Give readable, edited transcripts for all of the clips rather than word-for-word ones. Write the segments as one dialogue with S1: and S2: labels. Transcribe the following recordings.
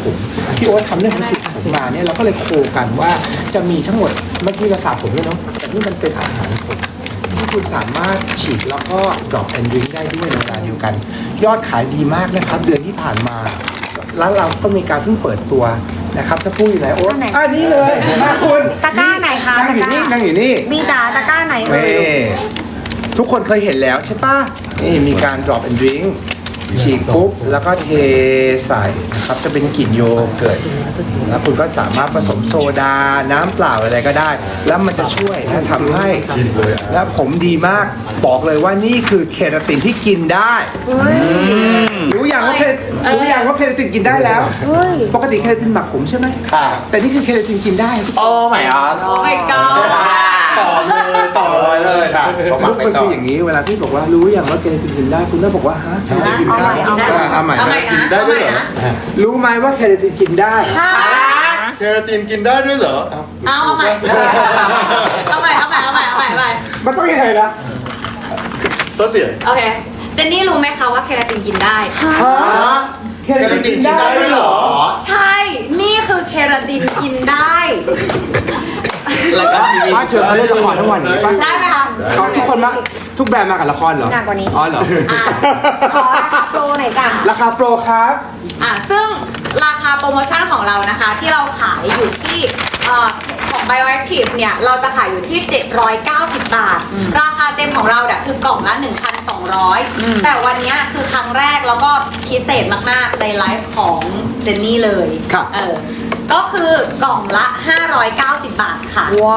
S1: ผมพี่โอ๊ตทำเรื่องของสูตรผมมาเนี่ยเราก็เลยโคกันว่าจะมีทั้งหมดเมื่อกี้เราสระผมด้วยเนาะแต่นี่มันเป็นอาหารผมที่คุณสามารถฉีดแล้วก็ drop and drink ได้ด้วยในเวลาเดียวกัน ยอดขายดีมากนะครับเดือนที่ผ่านมาแล้วเราก็มีการเพิ่งเปิดตัวนะครับถ้าพูดอยู่ไหนโอ๊ตนี่เลยคุณ
S2: ตะกร้าไหนคะ
S1: นั่งอยู่นี่นั่งอยู่นี่
S2: มีจ๋าตะกร้าไหนเอ่ย
S1: นี่ทุกคนเคยเห็นแล้วใช่ปะนี่มีการ drop and drink ฉีกปุ๊บแล้วก็เทใส่นะครับจะเป็นกลิ่นโยเกิร์ตแล้วคุณก็สามารถผสมโซดาน้ำเปล่าอะไรก็ได้ แล้วมันจะช่วยและทำให้แล้วผมดีมากบอกเลยว่านี่คือเคราตินที่กินได้รู้อย่างว่าเคราตินกินได้แล้วปกติเคราตินหมักผมใช่ไหมค่ะแต่นี่คือเคราตินกินได้
S3: โอ้ my god
S4: โอ้ my god
S3: ต่อเลยค่ะเขาหมั
S1: ลู
S3: ก
S1: ก
S3: ไป
S1: มัน
S3: ต่อ
S1: คืออย่างนี้เวลาที่บอกว่ารู้อย่างว่าเคราตินกินได้คุณต้องบอกว่าฮะเคราตินกินได้เอาใหม่
S4: เอาใหม่
S1: นะ
S4: นะเอาใหม่นะ
S1: รู้ไหมว่าเคราตินกินได้
S3: เคราตินกินได้ด้วยเหรอ
S4: เอาใหม่เอาใหม่
S1: มันต้องยังไงนะ
S3: ต้นเสียง
S4: โอเคเจนนี่รู้ไหมคะว่าเคราตินกินได้
S1: เคราตินกินได้ด้วยเหรอ
S4: ใช่ นี่คือเคราตินกินได้
S3: แล้วก็ทีวี
S1: ป้าเชิญเขาเล่นละครทั้งวันนี้ป้า
S4: ได้ไหมคะ
S1: เขาทุกคนมาทุกแบรนด์มากับละครเหรอ
S2: หนักกว่านี้
S1: อ๋อเหรอ
S2: ขอราคาโปรหน่อยจ้ะ
S1: ราคาโปรครับ
S4: ซึ่งราคาโปรโมชั่นของเรานะคะ ที่เราขายอยู่ที่ของ Bioactive เนี่ย เราจะขายอยู่ที่ 790 บาท ราคาเต็มของเราเนี่ยคือกล่องละ 1,200 แต่วันนี้คือครั้งแรกแล้วก็พิเศษมากๆในไลฟ์ของเจนนี่เลย
S1: ครับ
S4: ก็คือกล่องละ 590 บาทค่ะ
S2: ว้าว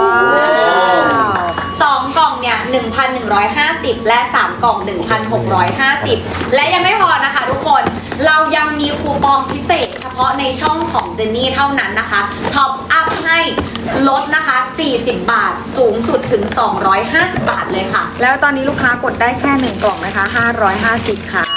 S4: 2 กล่องเนี่ย 1,150 และ 3 กล่อง 1,650 และยังไม่พอนะคะทุกคน เรายังมีคูปองพิเศษเฉพาะในช่องของเจนนี่เท่านั้นนะคะท็อปอัพให้ลดนะคะ 40 บาท สูงสุดถึง 250 บาทเลยค่ะ
S2: แล้วตอนนี้ลูกค้ากดได้แค่1กล่องนะคะ550ค่ะ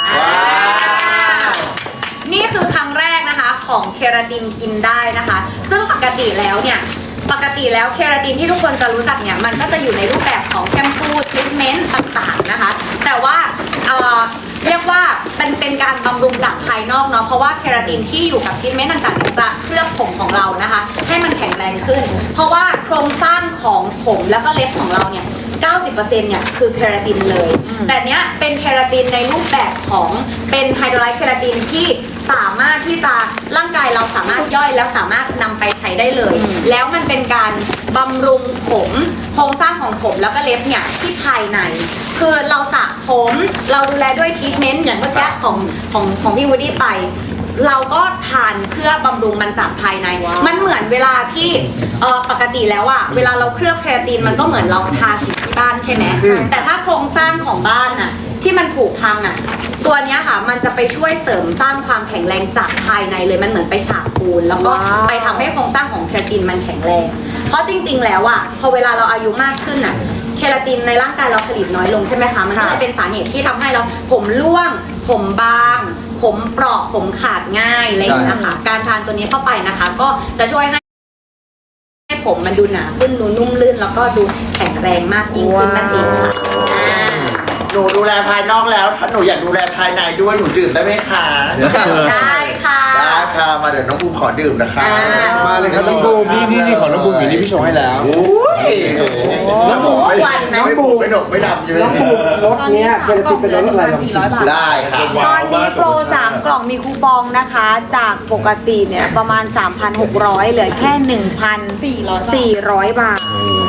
S4: นี่คือครั้งแรกนะคะของเคราตินกินได้นะคะ ซึ่งปกติแล้วเคราตินที่ทุกคนจะรู้จักเนี่ยมันก็จะอยู่ในรูปแบบของแชมพูทรีทเมนต์ต่างๆนะคะ แต่ว่าเรียกว่าเป็นการบำรุงจากภายนอกเนาะเพราะว่าเคราตินที่อยู่กับทรีทเมนต์ต่างๆจะเคลือบผมของเรานะคะให้มันแข็งแรงขึ้น เพราะว่าโครงสร้างของผมแล้วก็เล็บของเราเนี่ย 90%เนี่ยคือเคราตินเลย แต่เนี้ยเป็นเคราตินในรูปแบบของเป็นไฮโดรไลซ์เคราตินที่สามารถที่จะร่างกายเราสามารถย่อยแล้วสามารถนำไปใช้ได้เลย แล้วมันเป็นการบำรุงผมโครงสร้างของผมแล้วก็เล็บเนี่ยที่ภายใน คือเราสระผมเราดูแลด้วยทรีทเมนต์อย่างเมื่อกี้ของพี่วูดดี้ไป เราก็ทานเพื่อบำรุงมันจากภายใน มันเหมือนเวลาที่ปกติแล้วอะเวลาเราเคลือบเคราตินมันก็เหมือนเราทาสีที่บ้านใช่ไหมแต่ถ้าโครงสร้างของบ้านอะที่มันผุพังอะตัวเนี้ยค่ะมันจะไปช่วยเสริมสร้างความแข็งแรงจากภายในเลยมันเหมือนไปฉาบปูนแล้วก็ไปทำให้โครงสร้างของเคราตินมันแข็งแรง เพราะจริงๆแล้วอะพอเวลาเราอายุมากขึ้นอะเคราตินในร่างกายเราผลิตน้อยลงใช่ไหมคะมันก็เลยเป็นสาเหตุที่ทำให้เราผมร่วงผมบางผมเปราะผมขาดง่ายอะไรอย่างเงี้ยค่ะการทานตัวนี้เข้าไปนะคะ ก็จะช่วยให้ผมมันดูหนาขึ้นดูนุ่มลื่นแล้วก็ดูแข็งแรงมากยิ่งขึ้นนั่นเองค่ะ
S3: หนูดูแลภายนอกแล้ว ถ้าหนูอยากดูแลภายในด้วยหนูดื่มได้ไหมคะ
S4: ได้ค่ะ
S3: ได้ค่ะมาเดี๋ยวน้องบูมขอดื่มนะคะ
S1: มาเลยครับน้องบูมนี่ของน้องบูมอยู่นี่พี่ชงให้แล้ว
S3: โอ้ย
S1: น้องบูม
S3: ไม่บูมไม่ดกไม่ดำใช่ไหม
S1: น้องบูมรถเนี้ยเคราตินเป็นรถอะไรลองชิม
S3: ได้ค่ะ
S2: ตอนนี้โปร3กล่องมีคูปองนะคะ จากปกติเนี่ยประมาณ 3,600 เหลือแค่ 1,400 บาท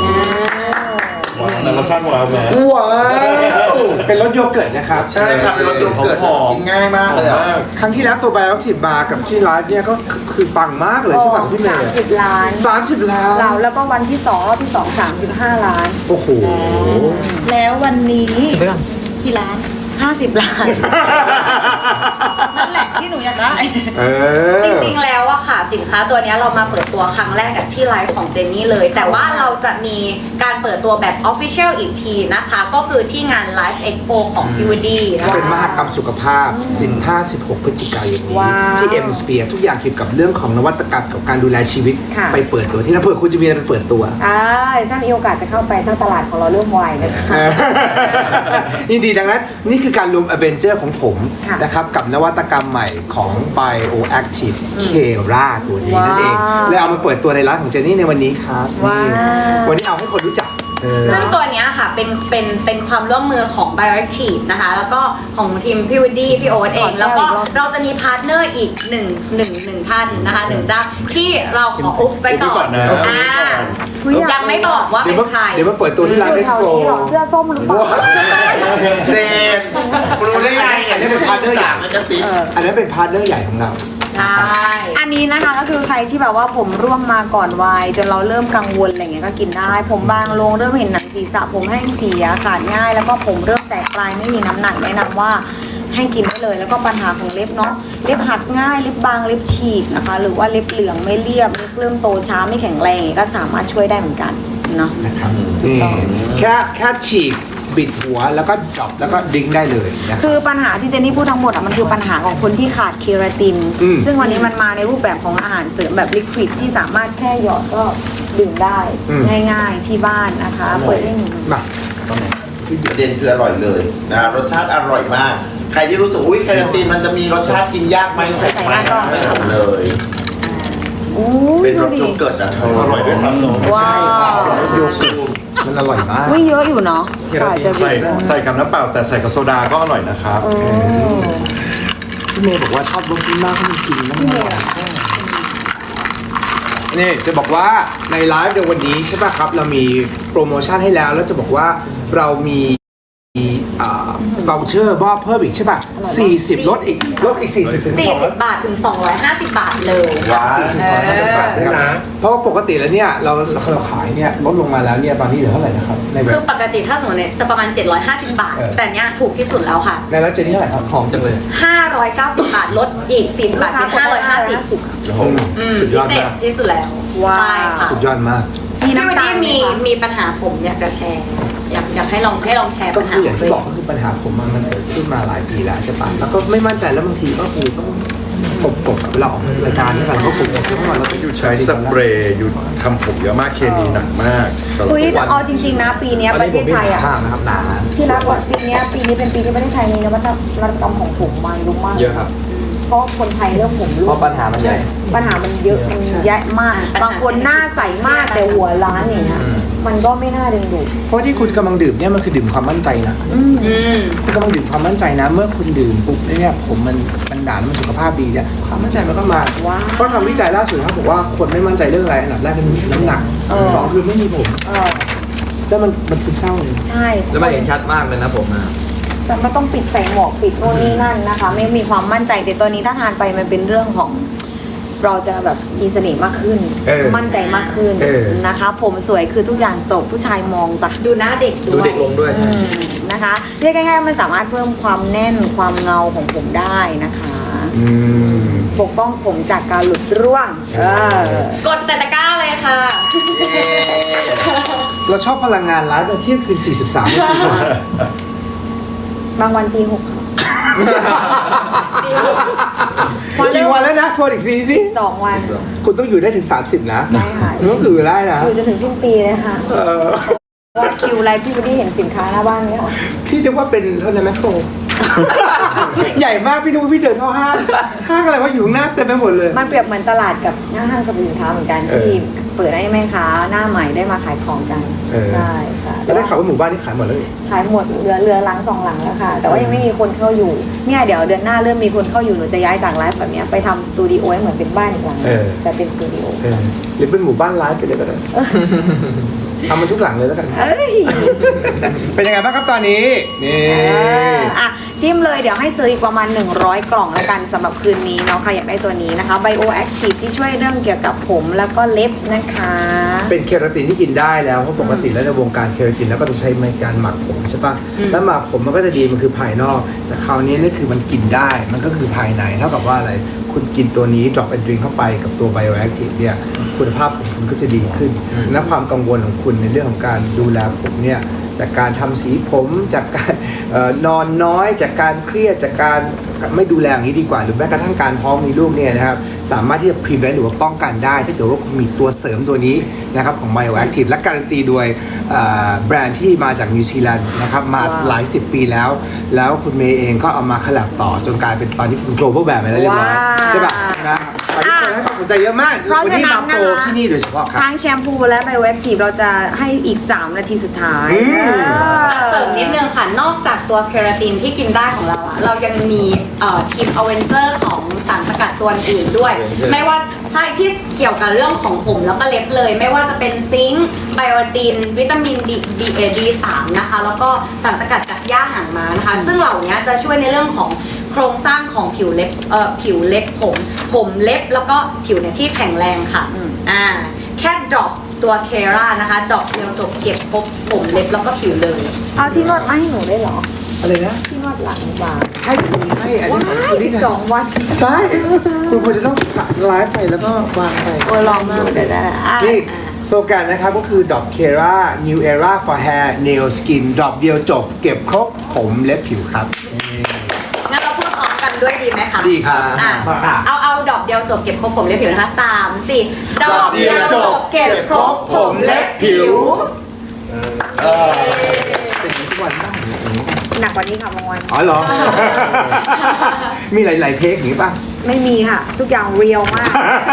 S5: แต่รสชาติว้าวแม่
S1: ว้าวเป็นรสโยเกิร์ตนะครับ
S3: ใช่ครับเป็นรสโยเกิร์ตกินง่ายมาก
S1: ครั้งที่แล้วตัวไบโอ10 บาร์กับที่ไลฟ์เนี่ยก็คือปังมากเลยใช่ไหมพี่เมย์
S2: 30 ล้าน
S1: 30 ล้าน
S2: เราแล้วก็วันที่2รอบที่ 2 35 ล้าน
S1: โอ้โห
S2: แล้ววันนี้กี่ล้าน 50 ล้าน
S4: นั่นแหละที่หนูอยากได้
S1: เออ
S4: จริงๆแล้วอะค่ะสินค้าตัวเนี้ยเรามาเปิดตัวครั้งแรกกับที่ไลฟ์ของเจนนี่เลย แต่ว่าเราจะมีการเปิดตัวแบบ Official อีกทีนะคะ ก็คือที่งาน Live Expo ของพี่วดีนะ
S1: เป็นม
S4: คะ
S1: หกรรมสุขภาพ 15-16 พฤศจิกายนนี้
S2: ว้าว
S1: ที่ M Sphere ทุกอย่างเกี่ยวกับเรื่องของนวัตกรรมกับการดูแลชีวิต
S2: ค่ะ
S1: ไปเปิดตัวที่นั่นเผื่อคุณจะมีอะไรไปเปิดตัว
S2: ถ้ามีโอกาสจะเข้าไปถ้าตลาดของเราเริ่มไวนะคะ
S1: ยินดีดังนั้นนี่คือการรวม Avenger ของผม
S2: ค่ะ
S1: นะครับกับนวัตกรรมใหม่ของ Bioactive Kera ตัวนี้นั่นเอง
S2: ว้าว
S1: เลยเอามาเปิดตัวในร้านของเจนนี่ในวันนี้ครับ
S2: ว้าว
S1: นี่วันนี้เอาให้คนรู้จัก
S4: ซึ่งตัวเนี้ยค่ะเป็นความร่วมมือของ Bioactive นะคะ แล้วก็ของทีมพี่วดีพี่โอ๊ตเอง แล้วก็เราจะมีพาร์ทเนอร์อีกหนึ่งท่านนะคะหนึ่งเจ้าที่เราขออุ๊บไปก่อน
S3: อุ๊บไว้ก่อนนะ
S4: อ่า
S2: อุ๊ย
S4: ยังไม่บอกว่า
S1: เดี๋
S4: เป็
S1: ยวน
S4: ใคร
S1: เดี๋ยวมาเปิดตัวที่ร้าน
S2: อยู่
S1: เอ็ก
S2: แถ
S1: ซ์
S2: ว
S1: โป
S2: นี้เหรอเสื้อส้มหรือเปล่า
S3: เจนรู้ได้ไงเนี่ยนี่เป็นพาร์ทเนอร์อย่างไม่กระซิบ
S1: อันนั้นเป็นพาร์ทเนอร์ใหญ่ของเรา
S4: ได้
S2: อันนี้นะคะก็คือใครที่แบบว่าผมร่วงมาก่อนวัยจนเราเริ่มกังวลอะไรเงี้ยก็กินได้ ผมบางลงเริ่มเห็นหนังศีรษะผมแห้งเสียขาดง่าย แล้วก็ผมเริ่มแตกปลายไม่มีน้ำหนักแนะนำว่าให้กินได้เลย แล้วก็ปัญหาของเล็บเนาะเล็บหักง่ายเล็บบางเล็บฉีกนะคะ หรือว่าเล็บเหลืองไม่เรียบเล็บเริ่มโตช้าไม่แข็งแรงอย่างเงี้ยก็สามารถช่วยได้เหมือนกันเนาะ
S1: นะครับนี่แค่ฉีกบิดหัวแล้วก็ดรอปแล้วก็ดิ้งได้เลยนะครับ
S2: คือปัญหาที่เจนนี่พูดทั้งหมดมันคือปัญหาของคนที่ขาดเคราติน
S1: อืม
S2: ซึ่งวันนี้มันมาในรูปแบบของอาหารเสริมแบบลิควิดที่สามารถแค่หยอดก็ดื่มได้ง่ายๆที่บ้านนะคะเปิดให้หนู
S1: มา
S3: ประเด็นคืออร่อยเลยนะรสชาติอร่อยมาก ใครที่รู้สึกอุ้ยแคนาตินมันจะมีรสชาติกินยากไหมใส่ไม่ไม่ทำเลย
S2: อู้
S3: เป็น
S2: ดู
S3: รส
S2: ดิ
S3: โยเกิร์ตนะเธอ
S5: อร่อยด้วยซ้ำเนอะ
S2: ว้าว
S1: โยเกิร์ตมันอร่อยมาก
S2: อุ้ยเยอะอยู่เนาะ
S5: เคราตินใส่กับน้ำเปล่าแต่ใส่กับโซดาก็อร่อยนะครับ
S2: เออ
S1: พี่เมย์บอกว่าชอบรสนี้มากเขามันกินแล้วมันอร่อยนี่จะบอกว่าในไลฟ์ในวันนี้ใช่ป่ะครับ เรามีโปรโมชั่นให้แล้วแล้วจะบอกว่าเรามีว o เชอร์มอบเพิ่มอีกใช่ป่ะ40ลดอีก40ถึง
S4: 40 บาทถึง 250 บาทเลย
S3: ว้าว
S1: 250บาทนะครับเพราะว่าปกติแล้วเนี่ยเราขายเนี่ยลดลงมาแล้วเนี่ยตอนนี้เหลือเท่าไหร่นะครับในเว็
S4: คือบ ปกติถ้าสมมติเนี่ยจะประมาณ 750 บาท แต่เนี้ยถูกที่สุดแล้วค่ะ
S1: ในแล้วเจนี่เท่าไหร่ครับหอมจังเลย
S4: 590 บาทลดอีก 40 บาทเป็น 550
S1: สุดย
S4: พิ
S1: อด
S4: เศษ
S1: มาก
S4: ที่สุดแล้ว
S2: ว้าว
S4: ใช่ค่ะ
S1: สุดยอดมาก
S2: มี
S4: พี่วัน
S2: น้ำตา
S4: นี้
S2: ลไหม
S4: มี
S2: คะ
S4: มีปัญหาผมอยากจะแชร์ อยากให้ลองแชร์
S1: ก็
S4: ปัญหา
S1: คืออย่าง
S4: ตัว
S1: ที่
S4: เอบ
S1: อง กก็คือปัญหาผมมันเกิดขึ้นมาหลายปีแล้วใช่ปะแล้วก็ไม่มั่นใจแล้วบางทีก็คือต้องปกเวลาออกรายการนี่กันก็ปกทุกวันเรา
S5: อยู่ใช้สเปรย์อยู่ทำผมเยอะมากเคมีหนักมากตลอด
S2: อุ้ย
S5: ทุกวัน
S2: เอาจริงๆนะปีเนี้ยประเทศไทยอ่ะ
S1: นะครับหนา
S2: ที่รักว่าปีนี้เป็นปีที่ประเทศไทยมีนวัตกรรมของผมมาเยอะมาก
S6: เยอะครับ
S2: เพราะคนไทยเริ่มผมร่
S6: เพ
S2: วง
S6: ราะปัญหามันใหญ่
S2: ปัญหามันเยอะมันแยะมากบางคนหน้าใสมากแต่หัวล้านอย่างเงี้ย
S6: อืม
S2: มันก็ไม่น่าดึงดูด
S1: เพราะที่คุณกำลังดื่มเนี่ยมันคือดื่มความมั่นใจนะ
S4: อืม
S1: คุณกำลังดื่มความมั่นใจนะ เมื่อคุณดื่มปุ๊บเนี่ยผมมันหนาแล้วมันสุขภาพดีเนี่ยความมั่นใจมันก็มา
S2: ว้าว
S1: เพราะทำวิจัยล่าสุดครับบอกว่าคนไม่มั่นใจเรื่องอะไรอันดับแรกคือน้ำหนัก
S2: เออ
S1: สองคือไม่มีผม แล้วมันซึมเศร้าเลย
S2: ใช่
S6: แล้วมันเห็นชัดมากเลยนะผมนะ
S2: แต่มันต้องปิดใส่หมวกปิดโน่นนี่นั่นนะคะ ไม่มีความมั่นใจแต่ตัวนี้ถ้าทานไปมันเป็นเรื่องของ เราจะแบบมีเสน่ห์มากขึ้น มั่นใจมากขึ้นนะคะ ผมสวยคือทุกอย่างจบผู้ชายมองจาก
S4: ดูหน้าเด็ก
S6: ดู
S4: ด้วย
S6: เด็กลงด้วย
S2: อืมนะคะเรียกง่ายๆมันสามารถเพิ่มความแน่นความเงาของผมได้นะคะ ปกป้องผมจากการหลุดร่วง
S4: กดใส่ตะกร้าเลยค่ะ
S1: เราชอบพลังงานร้านเที่ยงคืน43ไม่คุณว่า
S2: บางวันตีหกค่ะ
S1: กี่วันแล้วนะทวนอีกทีสิ
S2: 2 วัน
S1: คุณต้องอยู่ได้ถึง30นะ
S2: ได้ค่ะ
S1: คุณต้องอยู่ได้นะ
S2: อยู่จนถึงสิ้นปีเลยค่ะ
S1: เออ
S2: ว่าคิวไลฟ์พี่วันนี้เห็นสินค้าหน้าบ้านไหมคะ
S1: พี่นึกว่าเป็นเท่านั้นแมคโคร ใหญ่มากพี่นึกว่าพี่เดินเข้าห้างอะไรว่าอยู่ข้างหน้าเต็มไปหมดเลย
S2: มันเปรียบเหมือนตลาดกับหน้าห้างสรรพสินค้าเหมือนกัน
S1: เออ
S2: ที่เปิดให้แม่ค้าหน้าใหม่ได้มาขายของกัน
S1: เออ
S2: ใช่ค่ะ
S1: แล้วได้ข่าวว่าหมู่บ้านนี่ขายหมดแล้วนี่
S2: ขายหมดเหลือหลัง2 หลังแล้วค่ะ แต่ว่ายังไม่มีคนเข้าอยู่เนี่ยเดี๋ยวเดือนหน้าเริ่มมีคนเข้าอยู่หนูจะย้ายจากไลฟ์แบบเนี้ยไปทำสตูดิโอให้เหมือนเป็นบ้านอีกหลังนึงแต่เป็นสตูดิโอ
S1: หรือเป็นหมู่บ้านไลฟ์ไปเลยก็ได้ทำมันทุกหลังเลยแล้วกัน
S2: เอ้ย
S1: เป็นยังไงบ้างครับตอนนี้ นี่
S2: อ่ะจิ้มเลยเดี๋ยวให้ซื้ออีกประมาณ100 กล่องแล้วกันสำหรับคืนนี้เนาะใครอยากได้ตัวนี้นะคะ Bioactive ที่ช่วยเรื่องเกี่ยวกับผมแล้วก็เล็บนะคะ
S1: เป็นเคราตินที่กินได้แล้วเพราะปกติแล้วในวงการเคราตินแล้วก็จะใช้ในการหมักผมใช่ปะแล้วหมักผมมันก็จะดีมันคือภายนอก แต่คราวนี้นี่คือมันกินได้มันก็คือภายในเท่ากับว่าอะไรคุณกินตัวนี้ drop and drink เข้าไปกับตัว bioactive เนี่ยคุณภาพของคุณก็จะดีขึ้นและความกังวลของคุณในเรื่องของการดูแลผมเนี่ยจากการทำสีผมจากการนอนน้อยจากการเครียดจากการไม่ดูแลอย่างนี้ดีกว่าหรือแม้กระทั่งการท้องมีลูกเนี่ยนะครับสามารถที่จะ prevent หรือว่าป้องกันได้ถ้าเกิดว่าคุณมีตัวเสริมตัวนี้นะครับของ bioactive และการันตีโดยแบรนด์ที่มาจากนิวซีแลนด์นะครับมาหลาย10 ปีแล้วคุณเมย์เองก็เอามาขลับต่อจนกลายเป็นตอนนี้เป็น global brand ไปแล้วเรียบร้อยใช่ป่ะนะตอนนี้คนให้ความสนใจเยอะมาก
S2: เพราะ
S1: วัน
S2: ฉะ
S1: นี้
S2: นั้
S1: มาน โป
S2: นะ
S1: ร
S2: คะ
S1: ที่นี่โดยเฉพาะครับ
S2: ทั้งแชมพูและไบโอแอคทีฟเราจะให้อีก 3 นาทีสุดท้าย
S4: เสริมนิดนึงค่ะ นอกจากตัวเคราตินที่กินได้ของเราอะเรายังมีทีมอเวนเจอร์ของสารสกัดตัวอื่นด้วย ไม่ว่าใช่ที่เกี่ยวกับเรื่องของผมแล้วก็เล็บเลย ไม่ว่าจะเป็นซิงค์ไบโอติน วิตามิน D3 นะคะ แล้วก็สารสกัดจากหญ้าหางม้านะคะ ซึ่งเหล่านี้จะช่วยในเรื่องของโครงสร้างของผิวเล็บผมเล็บแล้วก็ผิวเนี่ยที่แข็งแรงค่ะแค่ดรอปตัวเครานะคะดรอปเดียวจบเก็บครบผมเล็บแล้วก็ผิวเลย
S2: เอาที่นวดมาให้หนูได้เหรอ
S1: อะไรนะ
S2: ที่นวดหลังบาง
S1: ใช่คุณมีให้อันนี้ของคุณนี่ไง
S2: 12 วัน
S1: ใช่คุณควรจะต้องไลฟ์ไปแล้วก็วางไป
S2: ลองมาเดี๋ยวได้
S1: นี่สโลแกนนะครับก็คือ Drop Kera New Era for Hair Nail Skin Drop เดียวจบเก็บครบผมเล็บผิวครับ
S4: งั้นเราพูดพร้อมกันด้วยดีไหมคะ
S1: ดีครับ
S4: เอาดอกเดียวจบเก็บครบผมเล็บผิวนะคะ3-4 ดอกเดียวจบเก็บครบผมเล็บผิว
S1: เป็นทุกวันบ้าง
S2: หนักกว่านี้ค่ะบางวัน
S1: อ๋อเหรอ มีหลายๆเทคอย่างนี้ป่ะ
S2: ไม่มีค่ะ ทุกอย่างเรียวมาก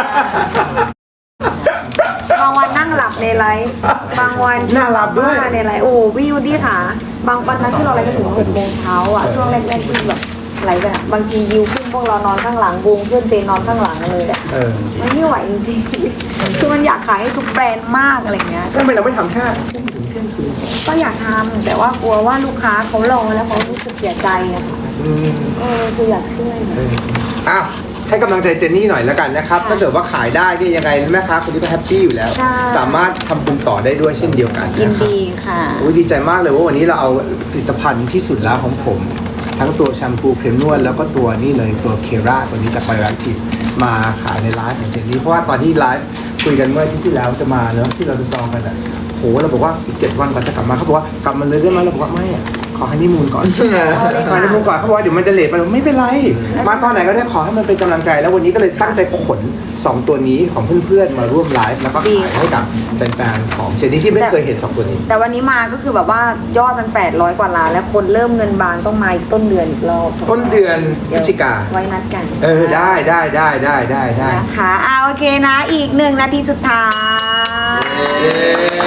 S2: บางวันนั่งหลับในไลฟ์บางวัน
S1: น่าหลับด้วย
S2: ในไลฟ์โอ้พี่ยูดี้ค่ะ บางวันนั้นที่เราไลฟ์กันถึง6 โมงเช้าอ่ะช่วงแรกๆที่แบบไลฟ์กันอะบางทียิวขึ้นพวกเรานอนข้างหลังวงเพื่อนเจนนอนข้างหลังเลยอะ มันไม่ไหวจริงๆ คือมันอยากขายให้ทุกแบรนด์มากอะไรเงี้ย
S1: ทำไมเราไม่ทำแค่
S2: ก็อยากทำแต่ว่ากลัวว่าลูกค้าเขารอแล้วเขารู้สึกเสียใจอะค่ะคืออยากช่วยนะ
S1: อ้าวให้กำลังใจเจนนี่หน่อยแล้วกันนะครับถ้าเกิดว่าขายได้เนี่ยยังไงแม่ค้าคนนี้ก็แฮปปี้อยู่แล้ว สามารถทำบุญต่อได้ด้วยเช่นเดียวกัน
S2: ยิน
S1: นะครับ
S2: ดีค่ะ
S1: โอ้ยดีใจมากเลยว่าวันนี้เราเอาผลิตภัณฑ์ที่สุดแล้วของผม ทั้งตัวแชมพูครีมนวดแล้วก็ตัวนี่เลยตัวเคราตัวนี้จากไบโอแอคทีฟมาขายในไลฟ์ของเจนนี่เพราะว่าตอนที่ไลฟ์คุยกันเมื่ออาที่แล้วจะมาเนอะที่เราจะจองกันอ่ะโหเราบอกว่าอีก7 วันก่อนจะกลับมาเขาบอกว่ากลับมาเลยได้ไหมเราบอกว่าไม่อ่ะขอให้นิมูลก่อนขอให้นิมูลก่อนเขาบอกว่าเดี๋ยวมันจะเลทไปเราไม่เป็นไรมาตอนไหนก็ได้ขอให้มันเป็นกำลังใจแล้ววันนี้ก็เลยตั้งใจขน2 ตัวนี้ของเพื่อนๆมาร่วมไลฟ์แล้วก็ขายให้กับแฟนๆของเจนนี่ที่ไม่เคยเห็น2 ตัวนี้
S2: แต่วันนี้มาก็คือแบบว่ายอดมัน800 กว่าล้านแล้วคนเริ่มเงินบานต้องมาอีกต้นเดือนอีกรอบ
S1: ต้นเดือนพฤศจิกา
S2: ไว้นัดกัน
S1: ได้
S2: นะคะโอเคนะอีก1 นาทีสุดท้าย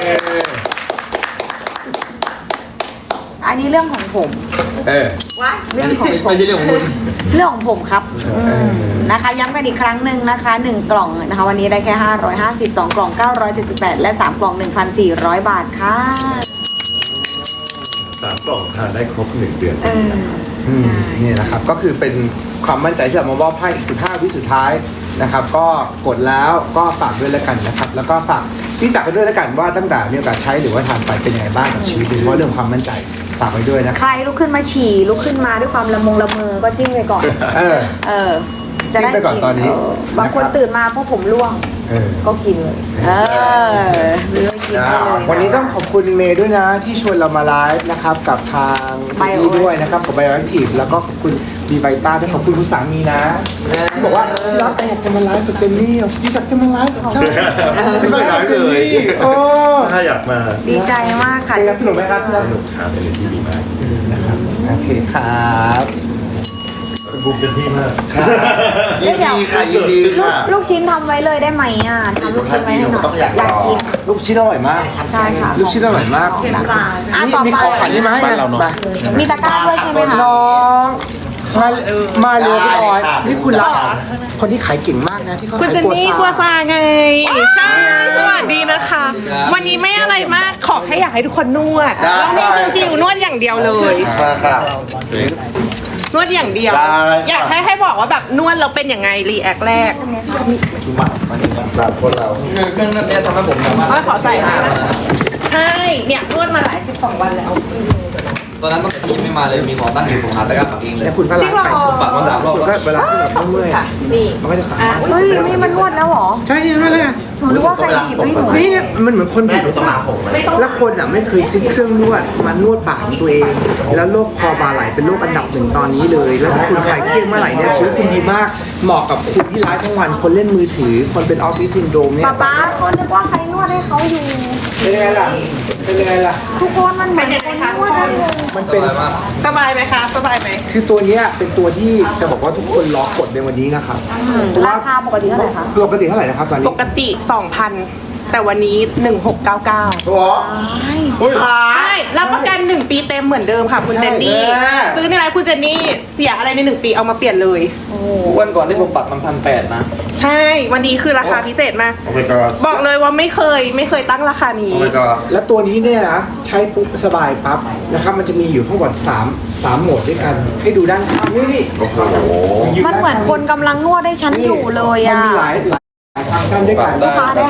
S2: อันนี้เรื่องของผม
S4: ว้า
S2: เรื่องของผม
S6: ไม่ใช่เรื่องของคุณ
S2: เรื่องของผมครับนะคะย้ำกันอีกครั้งหนึ่งนะคะ1 กล่องนะคะวันนี้ได้แค่550 2 กล่อง978และ3 กล่อง 1,400 บาทค่ะ
S5: 3 กล่องทานได้ครบ 1 เดือน
S2: ใช่
S1: นี่แหละครับก็คือเป็นความมั่นใจที่จะมามอบให้อีก15 วิสุดท้ายนะครับก็กดแล้วก็ฝากด้วยแล้วกันนะครับแล้วก็ฝากพี่ตักกันด้วยแล้วกันว่าตั้งแต่มีโอกาสใช้หรือว่าทานไปเป็นยังไงบ้างกับชีวิตโดยเฉพาะเรื่องความมั่นใจฝากไว้ด้วยนะครับ
S2: ใครลุกขึ้นมาฉี่ลุกขึ้นมาด้วยความละมงละเมอก็จิ้มไปก่อน จะได้
S1: จิ้มไปก่อนตอนนี้
S2: บางคนตื่นมาเพราะผมร่วงก็กินเลยซื้อไปกินได้เลย
S1: วันนี้ต้องขอบคุณเมย์ด้วยนะที่ชวนเรามาไลฟ์นะครับกับทางนี่ด้วยนะครับกับ Bioactive แล้วก็ขอบคุณดีไวต้าด้วยขอบคุณคุณสามีนะที่บอกว่าที่รักแต่อยากจะมาไลฟ์กับเจนนี่ที่อยากจะมาไลฟ์กับเจ้าที่มาไลฟ์เจนนี่โอ้
S5: ถ้าอยากมา
S2: ดีใจมากค่ะ
S1: เป็นไงสนุกไหมครับที่รัก
S5: สนุกครับเป็นที่ดีมาก
S1: นะครับโอเคครับ
S5: บูมเต็มที่มาก
S3: ยินดีค่ะยินดีค่ะ
S2: ลูกชิ้นทำไว้เลยได้ไหมอ่ะทำลูกชิ้นไว้ให้หน่อยอยากกิน
S1: ลูกชิ้นอร่อยมาก
S2: ใช่ค่ะ
S1: ลูกชิ้นอร่อยมาก
S4: เค็มปลา
S2: ต่อ
S1: มี
S2: ไป
S1: ของขายนี่ไหม
S6: บ้านเราเนอะ
S2: มีตะกร้าด้วยใช่ไหมคะ
S1: น้องมาเร็วพี่ออย
S3: ได้ค่ะ
S1: นี่คุณรักคนที่ขายเก่งมากนะที่เขา
S7: คุณ
S1: ขาย
S7: เจนนี่กัวซาไง ใช่ สวัสดีนะคะ วันนี้ไม่อะไรมากขอแค่อยากให้ทุกคนนวด
S3: ได้
S7: เรามีคิวนวดอย่างเดียวเลย
S3: มาค่ะ
S7: นวดอย่างเดียว
S3: ได้
S7: อยากให้บอกว่าแบบนวดเราเป็นยังไงรีแอคแรก
S3: สำหรับคนเรา
S6: เครื่องนั้นเนี่ยทำให้ผมสามารถ
S7: ขอใส่มานะใช่ เนี่ยนวดมาหลาย12 วันแล้ว
S6: ตอนนั้นตั้งแต่ที่ยังไม่มาเลยมีหมอตั้งอยู่ผมหาตะกร้าปักเองเลย
S1: แล้วคุณก็ล้างไปใช่ไหม
S6: ปักมา3 รอบ
S1: คุณก็เวลาที่แบบเมื่อยๆ
S7: ค่ะนี่
S1: มันก็จะสามารถ
S2: เฮ้ยนี่มันนวดแล้วเหรอ
S1: ใช่เนี่ยนั่นแหละ
S2: หนูนึกว่าใครบีบให้หนู
S1: นี่เนี่ยมันเหมือนคน
S3: แม่
S1: บีบ
S3: สมาผมเลย
S1: แล้วคนอ่ะไม่เคยซื้อเครื่องนวดมานวดปากของตัวเอง แล้วโรคคอบ่าไหล่เป็นโรคอันดับหนึ่งตอนนี้เลย แล้วถ้าคุณคลายเครียดเมื่อไหร่เนี่ยชีวิตคุณดีมาก เหมาะกับคุณที่ไลฟ์ทั้งวัน คนเล่นมือถือ คนเป็นออฟฟิศซินโดรมเนี่ย
S2: ป๊าเขานึกว่าใครนวดให้เขาอยู่
S1: เป็นยังไงล่ะ เป็นยังไงล่ะ
S2: ทุกคนมันเหมือนคนนวดให้เลย
S1: มันเป็น
S7: สบายไหมคะ สบายไหม
S1: คือตัวเนี้ยเป็นตัวที่จะบอกว่าทุกคนรอกดในวันนี้นะครับ
S2: ราคาปกติเท่าไหร่คะ
S1: ปกติเท่าไหร่นะครับตอนนี้
S7: ปกติ 2,000 แต่วันนี้ 1699
S3: ตัวอุ้ยหา
S7: ใช่รับประกัน 1 ปีเต็มเหมือนเดิมค่ะคุณเจนนี่
S3: ใช่
S7: ซื้อในไลน์คุณเจนนี่เสียอะไรใน 1 ปีเอามาเปลี่ยนเลย
S6: วันก่อนที่ผมปักมัน1,800นะ
S7: ใช่ วันนี้คือราคาพิเศษมาก
S3: โอ้ my god
S7: บอกเลยว่าไม่เคยตั้งราคานี้
S3: โอ้ my god
S1: และตัวนี้เนี่ยนะใช้ปุ๊บสบายปั๊บนะครับมันจะมีอยู่ทั้งหมด3โหมดด้วยกัน ให้ดูด้านข้างนี่
S3: โอ้โห
S2: มันเหมือนคนกำลังนวดให้ฉันอยู่เลย
S1: มัน
S2: อ่ะ
S1: มีหลายฟังก์ชันด้วยกัน
S6: ได้
S2: ลูกค้าได้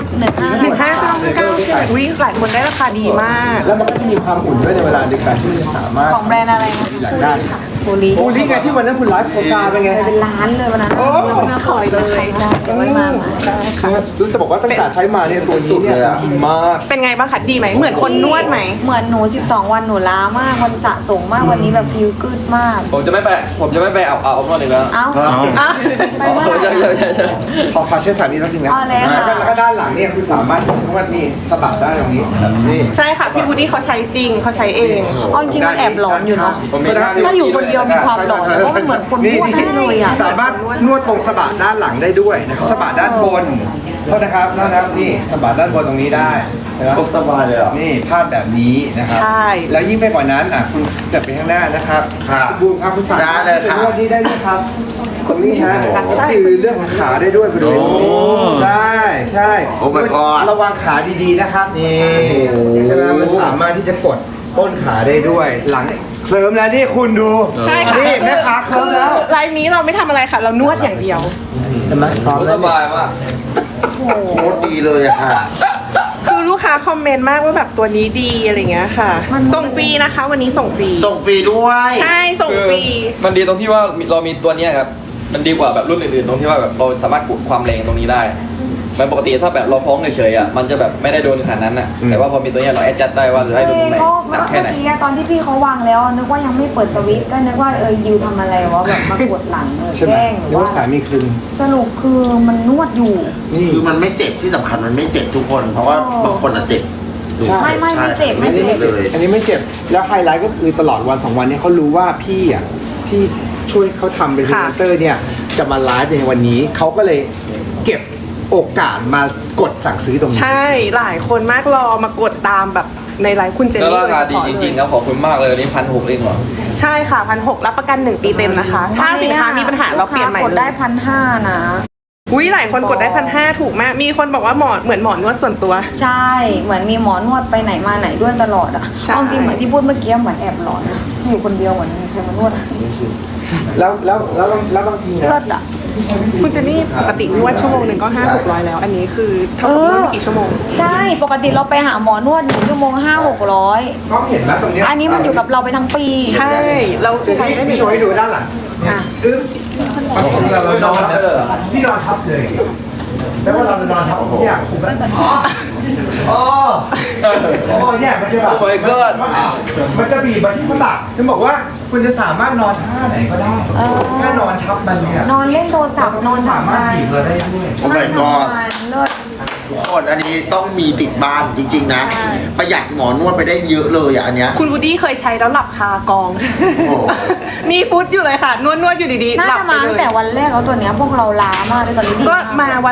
S2: 15
S7: วิหลายคนได้ราคาดีมาก
S1: แล้วมันก็จะมีความอุ่นด้วยในเวลาเดียวกันที่มันจะสามารถ
S2: ของแบรนด์อะไรนะ
S1: หลังได้
S2: โพลี
S1: โอ้ลิไงที่วันนั้นคุณไลฟ์โพซาเป็นไง
S2: เป็นล้านเลยวันนั้น
S7: โอ้ขอยเลย
S2: เดี๋ยวไว้มา
S1: แล้วจะบอกว่าตั้งแต่ใช้มาเนี่ยตัวนี้เนี่ยดีมาก
S7: เป็นไงบ้างคะดีไหมเหมือนคนนวดไหม
S2: เหมือนหนู 12 วันหนูล้ามากวันสะสมมากวันนี้แบบฟิลกึดมาก
S6: ผมจะไม่ไปเอานวดอีกแล้ว
S2: เอ้า
S7: อ่ะ
S2: ไปว่า
S6: ใช่
S1: ขอใช้สามีนิดนึงนะ
S2: เอาแล้วค่ะ
S1: แล้วก็ด้านหลังเนี่ยคุณสามารถนวดนี่สะบัดได้ตรงนี้นี่
S7: ใช่ค่ะพี่วูดดี้เขาใช้จริงเขาใช้เอง
S2: เอาจริงๆมันแอบหลอนอยู่เนาะ
S6: ผมมีท่า
S2: ถ้าอยู่คนเดียวมีความหลอนเพราะมันเหมือนคนนวดได้เลยอ่ะ
S1: สามารถนวดตรงสะบัดด้านหลังได้ด้วยนะครับสะบัดด้านบนโทษนะครับนี่สะบัดด้านบนตรงนี้ได้นะครับ
S3: สบายเลยเหรอ
S1: นี่ภาพแบบนี้นะครับ
S7: ใช่
S1: แล้วยิ่งไปกว่านั้นคุณเกิดไปข้างหน้านะครับ
S3: ครับ
S1: บูมครับคุณสามารถ
S3: ได้เลยครับ
S1: นวดนี้ได้ด้วยครับคนนี้ฮะ
S3: โอ้
S1: ก็คือเรื่องของขาได้ด้วยไปดู
S3: โอ้
S1: ใช่
S3: โอ้ my god
S1: ระวังขาดีๆนะครับนี่ใช่ไหมมันสามารถที่จะกดต้นขาได้ด้วย หลังเคลิ้มแล้วนี่คุณดู
S7: ใช่ค่ะ
S1: นี่แม่ขาเคลิ้มแล้ว
S7: ไลฟ์นี้เราไม่ทำอะไรค่ะ เรานวดอย่างเดียว
S1: เห็นไหมพร้อม
S6: ส
S1: แล้ว
S6: บายมาก
S3: โคตรดีเลยอะค่ะ
S7: คือลูกค้าคอมเมนต์มากว่าแบบตัวนี้ดีอะไรเงี้ยค่ะ ส่งฟรีนะคะ วันนี้ส่งฟรี
S3: ส่งฟรีด้วย
S7: ใช่ส่งฟรี
S6: มันดีตรงที่ว่าเรามีตัวเนี้ยครับ มันดีกว่าแบบรุ่นอื่นๆตรงที่ว่าแบบเราสามารถกดความแรงตรงนี้ได้มันปกติถ้าแบบเราพ้องเฉยๆอ่ะมันจะแบบไม่ได้โดนขนาดนั้นอ่ะแต่ว่าพอมีตัวเนี้ยเราแอดจัดได้ว่าจะให้โดนตรงไหนหนักแค่ไหน
S2: เมื่อกี้ตอนที่พี่เขาวางแล้วนึกว่ายังไม่เปิดสวิตช์ก็นึกว่ายูทำอะไรวะแบบมากดหลัง
S1: ใช่ไหม
S2: แกล้ง
S1: หรือว่าสามีคลึง
S2: สรุปคือมันนวดอยู่
S1: นี่
S3: คือมันไม่เจ็บที่สำคัญมันไม่เจ็บทุกคน เพราะว่าบางคนอะเจ็บ
S1: ใช่
S2: ไม่เจ็บ
S3: ไม่
S1: อันนี้ไม่
S3: เจ็
S1: เจ็
S3: บบ เลย
S1: อันนี้ไม่เจ็บ แล้วไฮไลท์ก็คือตลอดวัน2วันเนี้เขารู้ว่าพี่อ่ะที่ช่วยเขาทำเป็นพรี
S7: ค่ะ
S1: เซนเตอร์เนี่ยจะมาไลฟ์ในวันนี้เขาก็เลยเก็บโอกาสมากดสั่งซื้อตรงนี้
S7: ใช่หลายคนมากรอมากดตามแบบในไลฟ์คุณเจน
S6: แล้ว
S7: นี่
S6: ราคาดีจริงๆครับขอบคุณมากเลยวันนี้1,600เองเหรอ
S7: ใช่ค่ะ1,600รับประกัน 1 ปีเต็มนะคะ ถ้าสินค้ามีปัญหาเราเปลี่ยนใหม่
S2: กด
S7: เล
S2: ได้
S7: ย
S2: 1,500นะ
S7: อุ้ยหลายคนกดได้1,500ถูกมาก มีคนบอกว่าเหมือนหมอนวดส่วนตัว
S2: ใช่เหมือนมีหมอนวดไปไหนมาไหนด้วยตลอดอ่ะ
S7: ใช่
S2: เอาจริงเหมือนที่พูดเมื่อกี้เหมือนแอบหลอนนะอยู่คนเดียวเหมือนมีใครมานวดอะ
S1: แล้วบางทีนะ
S2: เลิศอ่ะ
S7: คุณเจนนี่ปกตินวดชั่วโมงหนึ่งก็500-600แล้ว อันนี้คือเท่ากับนวดไม่กี่ชั่วโมง
S2: ใช่ปกติเราไปหาหมอนวด1 ชั่วโมง 500-600
S1: ก็เห็นไหมตรงเนี้ย
S2: อันนี้มันอยู่กับเราไปทั้งปี
S7: ใช่เรา
S1: เดี๋ยว
S7: ใช้
S1: นี้
S7: ได้
S1: พี่โชว์ให้ดูด้านหลัง
S2: อ่ะ
S1: เรานอนพี่นอนทับเลยแล้วว่าเรานอนทับเนี่ยผมอ๋อเนี่ยมันจะแบบ
S6: Oh my god
S1: มันจะบีบมาที่สะบักจะบอกว่าคุณจะสามารถนอนท่าไหนก็ได้แค่นอนทับมันเนี่ย
S2: นอนเล่นโทรศัพท์นอน
S1: สามารถบีบเราได้ด้วย
S3: โอ้ my god
S2: เลิศ
S3: ทุกคนอันนี้ต้องมีติดบ้านจริง ๆ นะ ประหยัดหมอนวดไปได้เยอะเลยอะอันเนี้ย
S7: คุณวูดดี้เคยใช้แล้วหลับคากอง
S3: โอ้
S7: มีฟุตอยู่เลยค่ะ นวดอยู่ดีๆ
S2: น่า
S7: หลับ
S2: จะ
S7: ไป
S2: มา
S7: เล
S2: ตั้ง
S7: ย
S2: แต่วันแรกแล้วตัวเนี้ยพวกเราล้ามากเลยตอนนี้ดี
S7: ก็
S2: ก
S7: มาวัน